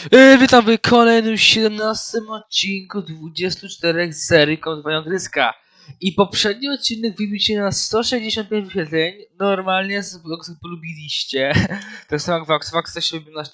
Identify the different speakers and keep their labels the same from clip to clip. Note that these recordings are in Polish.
Speaker 1: Witam w kolejnym 17 odcinku 24 z serii Kontynuowania Gryzka. I poprzedni odcinek wybił się na 165 wyświetleń. Normalnie z Voxem polubiliście. Tak samo jak Vox też się wybił na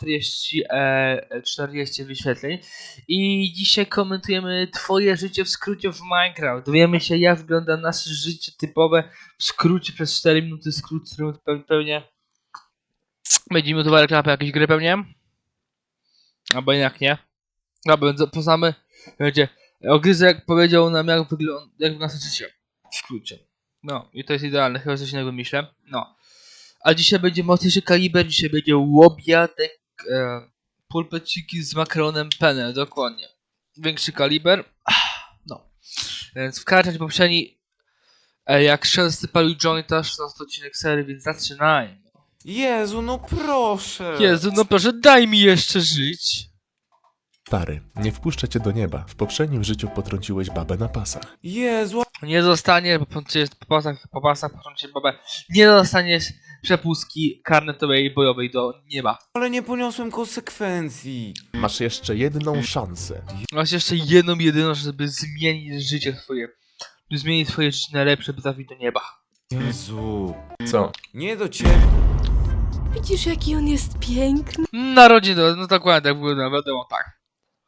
Speaker 1: 40 wyświetleń. I dzisiaj komentujemy twoje życie w skrócie w Minecraft. Dowiemy się, jak wygląda nasze życie typowe w skrócie przez 4 minuty. Skrót, który pewnie będzie minutowa reklama jakiejś gry pewnie. Albo jednak nie. Dobra, poznamy. Wiecie, Ogryzek powiedział nam, jak wygląda nasze życie. W skrócie. No, i to jest idealne, chyba coś innego myślę. No. A dzisiaj będzie mocniejszy kaliber, dzisiaj będzie łobiatek, pulpeciki z makaronem penne, dokładnie. Większy kaliber. No. Więc wkraczać poprzedni, jak często palił jointa, 16 odcinek serii, więc zaczynajmy.
Speaker 2: Jezu, no proszę!
Speaker 1: Jezu, no proszę, daj mi jeszcze żyć.
Speaker 3: Stary, nie wpuszczę cię do nieba. W poprzednim życiu potrąciłeś babę na pasach.
Speaker 2: Jezu,
Speaker 1: Nie zostanie, bo po pasach potrącić babę, nie dostaniesz przepustki karnetowej bojowej do nieba.
Speaker 2: ale nie poniosłem konsekwencji.
Speaker 3: Masz jeszcze jedną szansę.
Speaker 1: Masz jeszcze jedną, jedyną, żeby zmienić życie twoje. By zmienić twoje życie na lepsze, by trafić do nieba.
Speaker 2: Jezu,
Speaker 3: Co?
Speaker 2: nie do ciebie.
Speaker 4: Widzisz, jaki on jest piękny?
Speaker 1: Narodziny, no dokładnie tak wygląda, wiadomo, tak.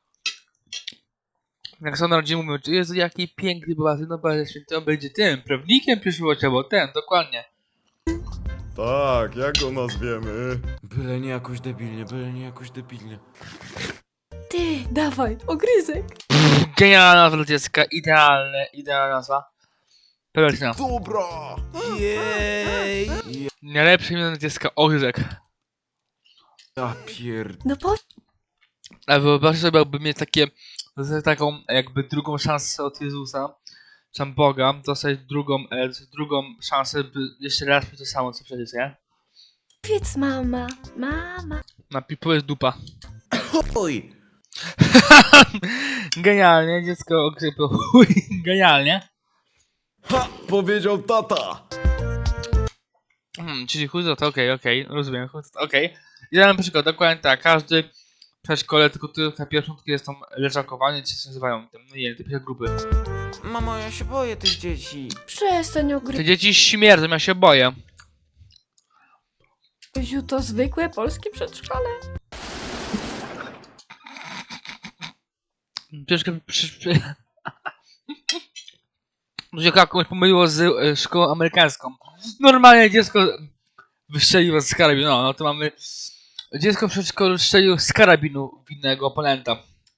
Speaker 1: Jak są narodziny mówią, Jezu, jaki piękny bogaty, no Boże Święty, on będzie tym, prawnikiem przyszłości, bo ten, dokładnie.
Speaker 5: Tak, jak go nazwiemy?
Speaker 2: Byle nie jakoś debilnie, byle nie jakoś debilnie.
Speaker 4: Ty, dawaj, ogryzek.
Speaker 1: Genialna nazwa dla dziecka, idealna nazwa. Pewna.
Speaker 5: Dobra!
Speaker 2: Jej!
Speaker 1: Najlepsze imię dla dziecka, Ogryzek.
Speaker 2: Ja pierd...
Speaker 4: No po...
Speaker 1: A wyobraź sobie, jakby mieć taką jakby drugą szansę od Jezusa, czy Boga, dostać drugą szansę, by jeszcze raz mieć to samo, co przecież, nie?
Speaker 4: Powiedz mama, mama.
Speaker 1: Na pipu jest dupa.
Speaker 2: Oj!
Speaker 1: Genialnie, dziecko okrypło, chuj, genialnie.
Speaker 5: Ha! Powiedział tata!
Speaker 1: Czyli chuj za to, okej, rozumiem, chuj za to, okej. I dałem przykład, dokładnie tak, każdy w przedszkole, tylko na pierwszą jest tam leżakowanie, czy się nazywają, tam, no nie, te pierwsze grupy.
Speaker 2: Mamo, ja się boję tych dzieci.
Speaker 4: Przestań
Speaker 1: Te
Speaker 4: ogryziu,
Speaker 1: dzieci śmierdzą, ja się boję.
Speaker 4: to zwykłe polskie przedszkole.
Speaker 1: Troszkę dziecko komuś pomyliło z szkołą amerykańską. Normalnie dziecko wystrzeliło z karabinu. No to mamy. Dziecko w przedszkolu strzeliło z karabinu w innego oponenta.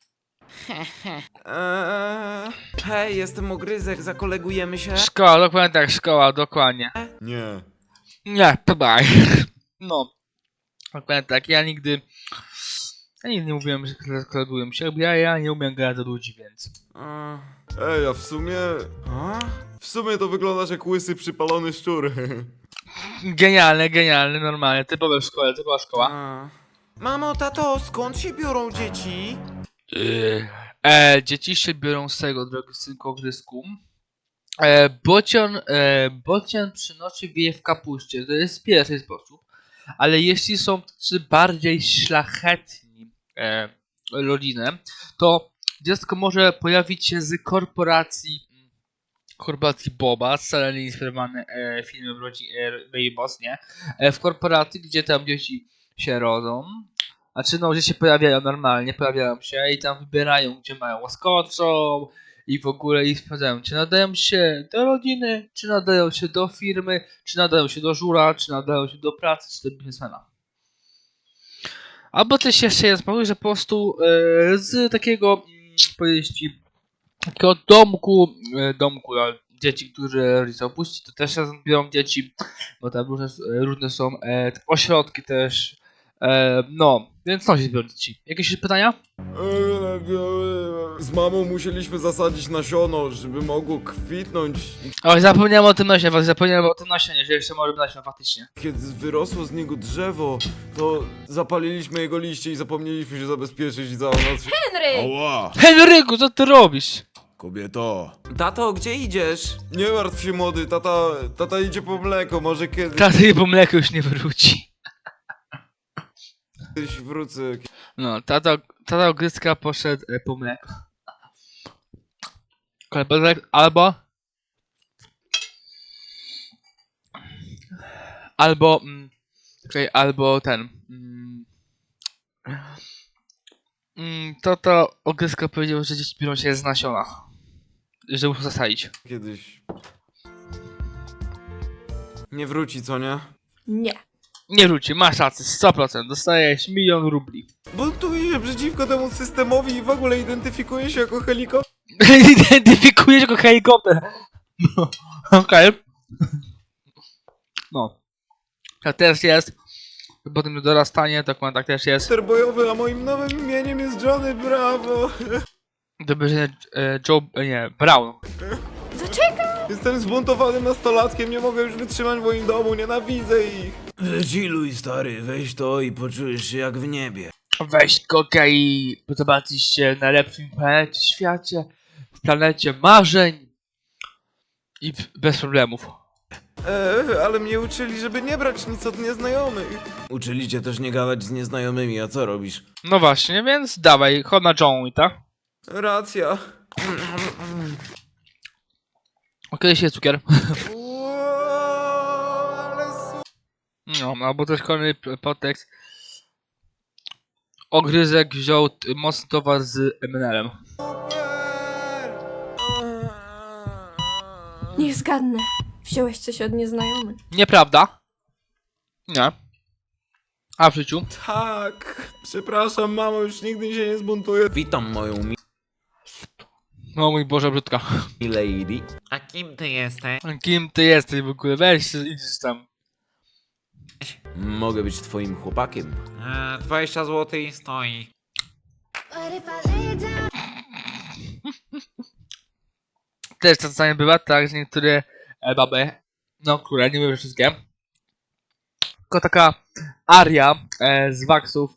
Speaker 2: Hej, jestem Ogryzek, zakolegujemy się?
Speaker 1: Szkoła, dokładnie tak, szkoła, dokładnie.
Speaker 5: Nie.
Speaker 1: Nie, bye. No. Dokładnie tak, ja nigdy nie mówiłem, że koleguję się, bo ja nie umiem gadać do ludzi, więc.
Speaker 5: Ej, a w sumie...
Speaker 2: A?
Speaker 5: W sumie to wyglądasz jak łysy przypalony szczur.
Speaker 1: Genialne, normalnie, typowa szkoła.
Speaker 2: Mamo, tato, skąd się biorą dzieci?
Speaker 1: Dzieci się biorą z tego, drogi synku Ogryzku. Bocian przynosi wieje w kapuście, to jest pierwszy sposób. Ale jeśli są tacy bardziej szlachetni rodziny, to dziecko może pojawić się z korporacji Boba, wcale nie inspirowany filmem Baby Boss, nie? W korporacji, gdzie tam dzieci się rodzą. Znaczy, no, gdzie się pojawiają się i tam wybierają, gdzie mają łaskoczą i w ogóle i sprawdzają, czy nadają się do rodziny, czy nadają się do firmy, czy nadają się do żura, czy nadają się do pracy, czy do biznesmena. Albo też jeszcze jest pomysł, że po prostu z takiego, powiedzieć ci, takiego domku dla dzieci, które rodzice opuści, to też razem biorą dzieci, bo tam różne są ośrodki też. No, więc co się zbiorą dzieci? Jakieś pytania?
Speaker 5: Z mamą musieliśmy zasadzić nasiono, żeby mogło kwitnąć.
Speaker 1: Oj, zapomniałem o tym nasionie, że jeszcze może być nasion faktycznie.
Speaker 5: Kiedy wyrosło z niego drzewo, to zapaliliśmy jego liście i zapomnieliśmy się zabezpieczyć i całą noc...
Speaker 4: Henry!
Speaker 5: Ała!
Speaker 1: Henryku, co ty robisz?
Speaker 5: Kobieto!
Speaker 2: Tato, gdzie idziesz?
Speaker 5: Nie martw się, młody, tata idzie po mleko, może kiedyś...
Speaker 1: Taty po mleku już nie wróci.
Speaker 5: Kiedyś wrócę.
Speaker 1: No, tata ogryzka poszedł po mleko. Kolebek albo ten. Tata ogryzka powiedział, że dzieci biorą się z nasiona. Że muszą zasadzić.
Speaker 5: Kiedyś. Nie wróci, co nie?
Speaker 4: Nie.
Speaker 1: Nie wróci, masz rację, 100%. Dostajesz 1 000 000 rubli.
Speaker 5: Buntuje się przeciwko temu systemowi i w ogóle identyfikuje się jako helikopter.
Speaker 1: Identyfikujesz jako helikopter. No, okej. No. Tak też jest. Potem dorastanie, tak też jest.
Speaker 5: Bojowy, a moim nowym imieniem jest Johnny Bravo.
Speaker 1: Dobrze, Brown.
Speaker 4: Zaczekaj!
Speaker 5: Jestem zbuntowanym nastolatkiem, nie mogę już wytrzymać w moim domu, nienawidzę ich. Wychilluj, stary, weź to i poczujesz się jak w niebie.
Speaker 1: Weź kokę i zobaczysz się na lepszym planecie świecie, w planecie marzeń i bez problemów.
Speaker 5: Ale mnie uczyli, żeby nie brać nic od nieznajomych. Uczyli cię też nie gadać z nieznajomymi, a co robisz?
Speaker 1: No właśnie, więc dawaj, chodź na Johnny, tak?
Speaker 5: Racja.
Speaker 1: Okej, jest cukier.
Speaker 5: Ale
Speaker 1: No, albo też kolejny podtekst. Ogryzek wziął mocny towar z MNL-em.
Speaker 5: super!
Speaker 4: Niech zgadnę. Wziąłeś coś od nieznajomych.
Speaker 1: Nieprawda? Nie. A w życiu?
Speaker 5: Tak. Przepraszam, mamo, już nigdy się nie zbuntuję. Witam moją
Speaker 1: No mój Boże, brzydka.
Speaker 5: lady.
Speaker 2: A kim ty jesteś?
Speaker 1: Kim ty jesteś w ogóle? Weź się, idziesz tam.
Speaker 5: Mogę być twoim chłopakiem.
Speaker 2: 20 zł i stoi.
Speaker 1: Też czasami bywa tak, że niektóre baby, no które, nie mówię wszystkie, tylko taka aria z Waxów,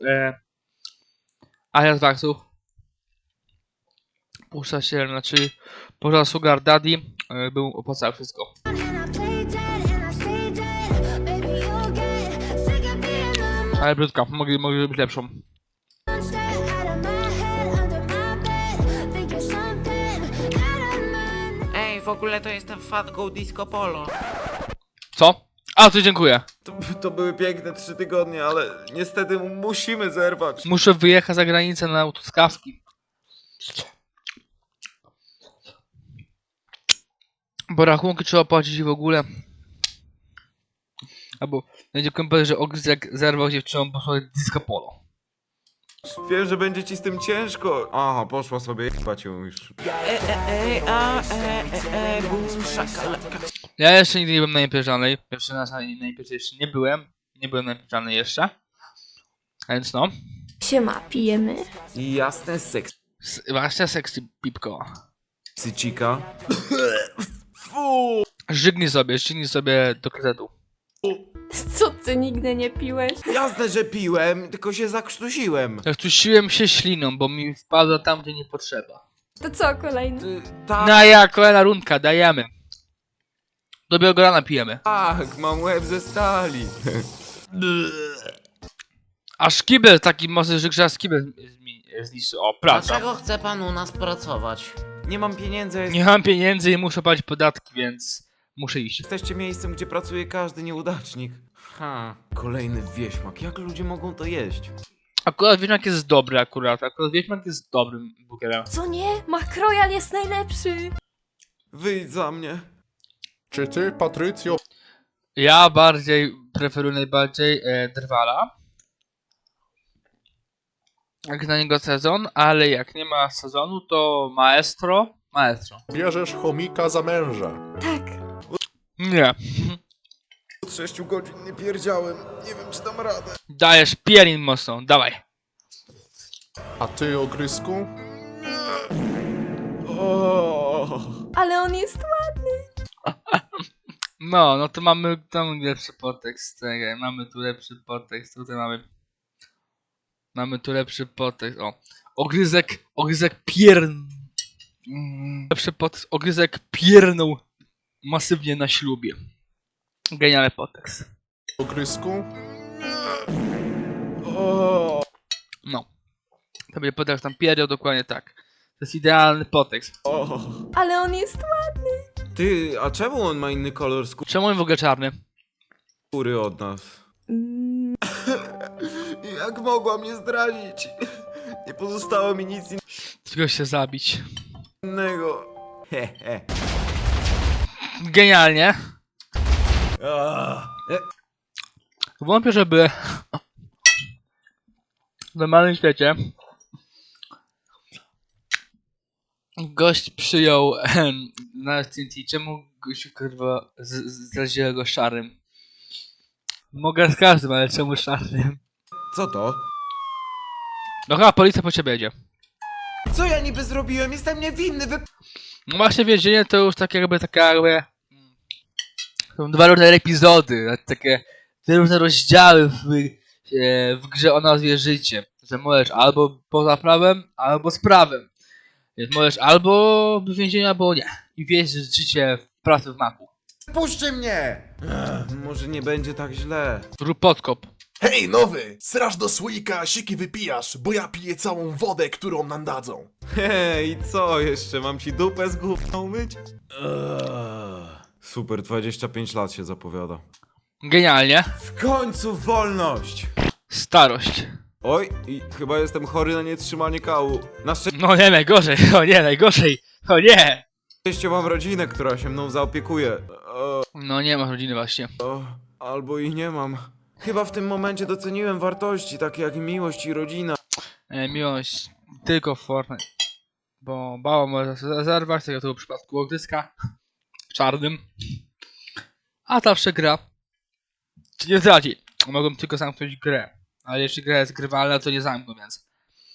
Speaker 1: puszcza się, znaczy pożar Sugar Daddy, był opłacał wszystko. Ale brzydka, mogli być lepszą.
Speaker 2: Ej, w ogóle to jestem fanką Disco Polo.
Speaker 1: Co? A, to dziękuję.
Speaker 5: To były piękne 3 tygodnie, ale niestety musimy zerwać.
Speaker 1: Muszę wyjechać za granicę na autoskawki. Bo rachunki trzeba płacić w ogóle. Albo będzie powiedział, że ogryzek zerwał dziewczyną, bo sobie disco polo.
Speaker 5: Wiem, że będzie ci z tym ciężko. Aha, poszła sobie, płacił już.
Speaker 2: Bum, szakalaka.
Speaker 1: Ja jeszcze nigdy nie byłem na imprezalnej. Pierwszy raz na imprezie jeszcze nie byłem. Nie byłem na imprezalnej jeszcze. A więc no.
Speaker 4: Siema, pijemy.
Speaker 5: I jasne seks.
Speaker 1: Właśnie sexy pipko.
Speaker 5: Sycika. Fu!
Speaker 1: Żygnij sobie do kredytu.
Speaker 4: Co ty nigdy nie piłeś?
Speaker 5: Jasne, że piłem, tylko się zakrztusiłem.
Speaker 1: Zakrztusiłem się śliną, bo mi wpadła tam, gdzie nie potrzeba.
Speaker 4: To co, kolejny?
Speaker 1: No ja, kolejna rundka, dajemy. Do Białgorana pijemy.
Speaker 5: Tak, mam łeb ze stali.
Speaker 1: Aż kibel taki mocny, że aż kibel zniszczy. O, praca.
Speaker 2: Dlaczego chce pan u nas pracować?
Speaker 5: Nie mam pieniędzy,
Speaker 1: Nie mam pieniędzy i muszę płacić podatki, więc muszę iść.
Speaker 5: jesteście miejscem, gdzie pracuje każdy nieudacznik. Kolejny wieśmak, jak ludzie mogą to jeść?
Speaker 1: Akurat Wiedźmak jest dobry akurat. Akurat Wiedźmak jest dobrym burgerem.
Speaker 4: Co nie? McRoyal jest najlepszy.
Speaker 5: Wyjdź za mnie.
Speaker 3: Czy ty, Patrycjo,
Speaker 1: Ja preferuję najbardziej Drwala. Jak na niego sezon, ale jak nie ma sezonu, to Maestro.
Speaker 3: bierzesz chomika za męża?
Speaker 4: Tak.
Speaker 1: Nie.
Speaker 5: Od 6 godzin nie pierdziałem, nie wiem czy dam radę.
Speaker 1: Dajesz pierin mocno, dawaj.
Speaker 3: A ty, Ogrysku?
Speaker 4: Ale on jest ładny.
Speaker 1: No to mamy tam lepszy podtekst. Czekaj, mamy tu lepszy podtekst. Tutaj mamy tu lepszy podtekst. O. Ogryzek lepszy podtekst. Ogryzek piernął masywnie na ślubie. Genialny podtekst.
Speaker 3: Ogrysku?
Speaker 5: O.
Speaker 1: No. To będzie podać tam pierio, dokładnie tak. To jest idealny podtekst.
Speaker 5: O,
Speaker 4: Ale on jest ładny.
Speaker 5: ty, a czemu on ma inny kolor
Speaker 1: Czemu on w ogóle czarny?
Speaker 5: skóry od nas?
Speaker 4: Mm,
Speaker 5: Jak mogła mnie zdradzić? Nie pozostało mi nic
Speaker 1: Tylko się zabić.
Speaker 5: innego. Hehe.
Speaker 1: Genialnie. Wątpię, żeby w normalnym świecie gość przyjął na TNT. Czemu gość kurwa zraziła go szarym? Mogę z każdym, ale czemu szarym?
Speaker 5: Co to?
Speaker 1: No chyba policja po ciebie jedzie.
Speaker 2: Co ja niby zrobiłem? Jestem niewinny,
Speaker 1: No właśnie więzienie to już tak jakby taka jakby... Są dwa różne epizody, takie dwa różne rozdziały w grze o nazwie życie. Że możesz albo poza prawem, albo z prawem. Więc możesz albo w więzieniu, albo nie. I wieść życie w pracy w maku.
Speaker 2: Puśćcie mnie!
Speaker 5: Może nie będzie tak źle.
Speaker 1: Rób podkop.
Speaker 6: Hej, nowy! Srasz do słoika, siki wypijasz, bo ja piję całą wodę, którą nam dadzą.
Speaker 5: Hej, i co jeszcze? Mam ci dupę z gówna umyć? Super, 25 lat się zapowiada.
Speaker 1: Genialnie.
Speaker 5: W końcu wolność!
Speaker 1: Starość.
Speaker 5: Oj, i chyba jestem chory na nietrzymanie kału. Na
Speaker 1: No nie, najgorzej. O nie, najgorzej. O nie.
Speaker 5: szczęście mam rodzinę, która się mną zaopiekuje.
Speaker 1: No nie masz rodziny właśnie.
Speaker 5: Albo i nie mam. Chyba w tym momencie doceniłem wartości, takie jak miłość i rodzina.
Speaker 1: Miłość tylko w Fortnite. Bo bała może zerwać, tak jak to w przypadku ogryska czarnym. A ta przegra ci nie zdradzi. Mogą tylko zamknąć grę. Ale jeśli gra jest grywalna, to nie zamkną, więc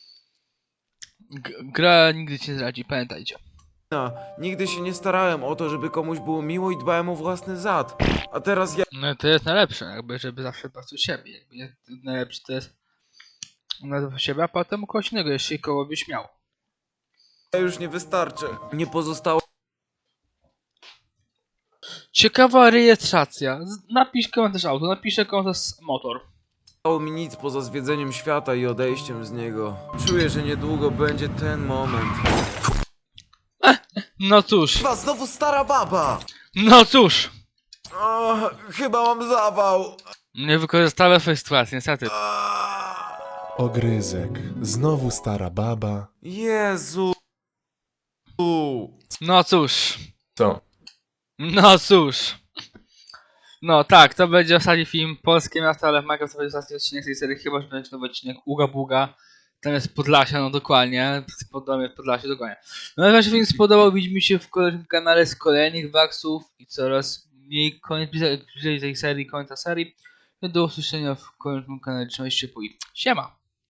Speaker 1: gra nigdy ci nie zdradzi, pamiętajcie.
Speaker 5: Nigdy się nie starałem o to, żeby komuś było miło i dbałem o własny zad. A teraz ja
Speaker 1: No to jest najlepsze, jakby żeby zawsze dbać o siebie. Jakby najlepsze to jest na siebie, a potem u kogoś innego, jeśli kogo byś miał.
Speaker 5: już nie wystarczę. Nie pozostało
Speaker 1: Ciekawa rejestracja. Napisz komentarz auto, napiszę komentarz motor.
Speaker 5: mi nic poza zwiedzeniem świata i odejściem z niego. Czuję, że niedługo będzie ten moment.
Speaker 1: No cóż,
Speaker 2: Chyba znowu stara baba!
Speaker 1: no cóż.
Speaker 5: O, chyba mam zawał.
Speaker 1: Nie wykorzystałem swojej sytuacji, niestety.
Speaker 3: Ogryzek. Znowu stara baba.
Speaker 5: Jezu.
Speaker 1: No cóż.
Speaker 3: Co?
Speaker 1: No cóż. No tak, to będzie ostatni film Polskie Miasto, ale w Minecraft to będzie ostatni odcinek tej serii, chyba że będzie nowy odcinek Uga Buga. Tam jest Podlasia, no dokładnie. Podamy Podlasie, dokładnie. No jak wam się film spodobał, widzimy się w kolejnym kanale z kolejnych waksów i coraz mniej bliżej tej serii, końca serii. Do usłyszenia w kolejnym kanale, trzymajcie się, siema!